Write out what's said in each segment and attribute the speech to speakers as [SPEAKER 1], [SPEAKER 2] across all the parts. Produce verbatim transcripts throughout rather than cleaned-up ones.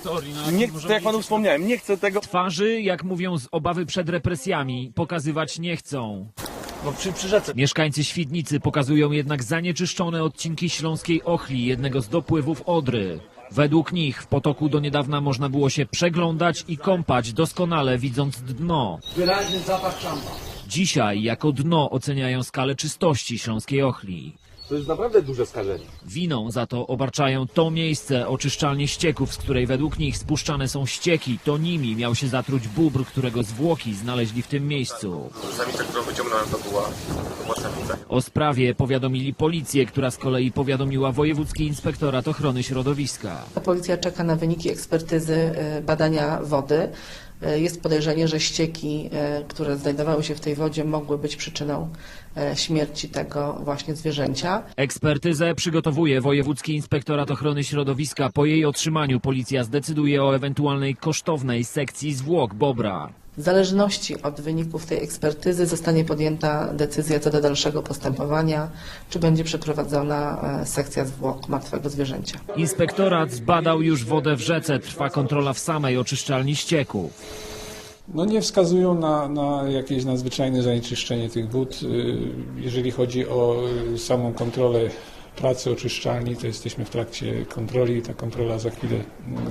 [SPEAKER 1] Nie chcę, tak jak panu wspomniałem, nie chcę tego.
[SPEAKER 2] Twarzy, jak mówią, z obawy przed represjami, pokazywać nie chcą.
[SPEAKER 1] No przy, przy rzece.
[SPEAKER 2] Mieszkańcy Świdnicy pokazują jednak zanieczyszczone odcinki Śląskiej Ochli, jednego z dopływów Odry. Według nich w potoku do niedawna można było się przeglądać i kąpać, doskonale widząc dno.
[SPEAKER 3] Wyraźny zapach szampa.
[SPEAKER 2] Dzisiaj jako dno oceniają skalę czystości Śląskiej Ochli.
[SPEAKER 1] To jest naprawdę duże skażenie.
[SPEAKER 2] Winą za to obarczają to miejsce, oczyszczalnię ścieków, z której według nich spuszczane są ścieki. To nimi miał się zatruć bóbr, którego zwłoki znaleźli w tym miejscu.
[SPEAKER 4] Samica, którą wyciągnąłem, to była, to była samica.
[SPEAKER 2] O sprawie powiadomili policję, która z kolei powiadomiła Wojewódzki Inspektorat Ochrony Środowiska.
[SPEAKER 5] Policja czeka na wyniki ekspertyzy y, badania wody. Y, Jest podejrzenie, że ścieki, y, które znajdowały się w tej wodzie, mogły być przyczyną y, śmierci tego właśnie zwierzęcia.
[SPEAKER 2] Ekspertyzę przygotowuje Wojewódzki Inspektorat Ochrony Środowiska. Po jej otrzymaniu policja zdecyduje o ewentualnej kosztownej sekcji zwłok bobra.
[SPEAKER 5] W zależności od wyników tej ekspertyzy zostanie podjęta decyzja co do dalszego postępowania, czy będzie przeprowadzona y, sekcja zwłok martwego zwierzęcia.
[SPEAKER 2] Inspektorat zbadał już wodę w rzece. Trwa kontrola w samej oczyszczalni ścieków.
[SPEAKER 6] No nie wskazują na, na jakieś nadzwyczajne zanieczyszczenie tych wód. Jeżeli chodzi o samą kontrolę pracy oczyszczalni, to jesteśmy w trakcie kontroli. Ta kontrola za chwilę mm,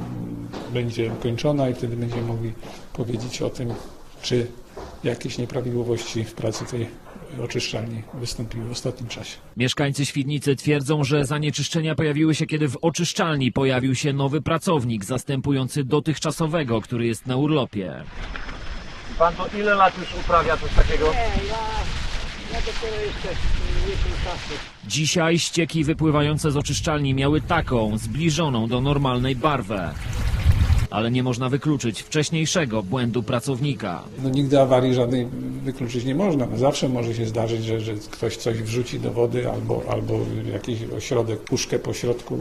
[SPEAKER 6] będzie kończona i wtedy będziemy mogli powiedzieć o tym, czy jakieś nieprawidłowości w pracy tej oczyszczalni wystąpiły w ostatnim czasie.
[SPEAKER 2] Mieszkańcy Świdnicy twierdzą, że zanieczyszczenia pojawiły się, kiedy w oczyszczalni pojawił się nowy pracownik zastępujący dotychczasowego, który jest na urlopie.
[SPEAKER 1] Pan to ile lat już uprawia coś takiego?
[SPEAKER 3] Nie, ja, ja dopiero jeszcze miesiąc czasu.
[SPEAKER 2] Dzisiaj ścieki wypływające z oczyszczalni miały taką, zbliżoną do normalnej barwę. Ale nie można wykluczyć wcześniejszego błędu pracownika.
[SPEAKER 6] No nigdy awarii żadnej wykluczyć nie można. No zawsze może się zdarzyć, że, że ktoś coś wrzuci do wody albo, albo jakiś ośrodek, puszkę po środku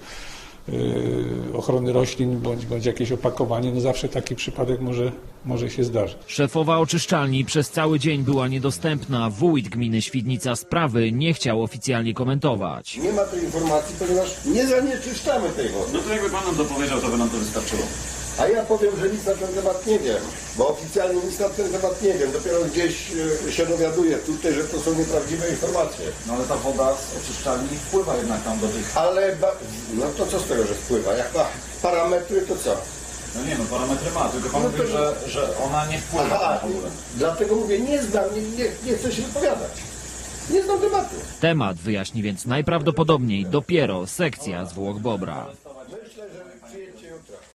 [SPEAKER 6] yy, ochrony roślin bądź, bądź jakieś opakowanie. No zawsze taki przypadek może, może się zdarzyć.
[SPEAKER 2] Szefowa oczyszczalni przez cały dzień była niedostępna. Wójt gminy Świdnica sprawy nie chciał oficjalnie komentować.
[SPEAKER 7] Nie ma tej informacji, ponieważ nie zanieczyszczamy tej wody.
[SPEAKER 4] No to jakby pan nam to powiedział, to by nam to wystarczyło.
[SPEAKER 7] A ja powiem, że nic na ten temat nie wiem, bo oficjalnie nic na ten temat nie wiem. Dopiero gdzieś e, się dowiaduję tutaj, że to są nieprawdziwe informacje.
[SPEAKER 4] No ale ta woda z oczyszczalni wpływa jednak tam do tych...
[SPEAKER 7] Ale, ba- no to co z tego, że wpływa? Jak ma parametry, to co?
[SPEAKER 4] No nie no, parametry ma, tylko pan
[SPEAKER 7] No
[SPEAKER 4] mówi,
[SPEAKER 7] to-
[SPEAKER 4] że, że ona nie wpływa
[SPEAKER 7] Aha,
[SPEAKER 4] tam w ogóle.
[SPEAKER 7] dlatego mówię, nie znam, nie, nie, nie chcę się wypowiadać. Nie znam tematu.
[SPEAKER 2] Temat wyjaśni więc najprawdopodobniej dopiero sekcja zwłok bobra.
[SPEAKER 7] Myślę, że przyjęcie jutra.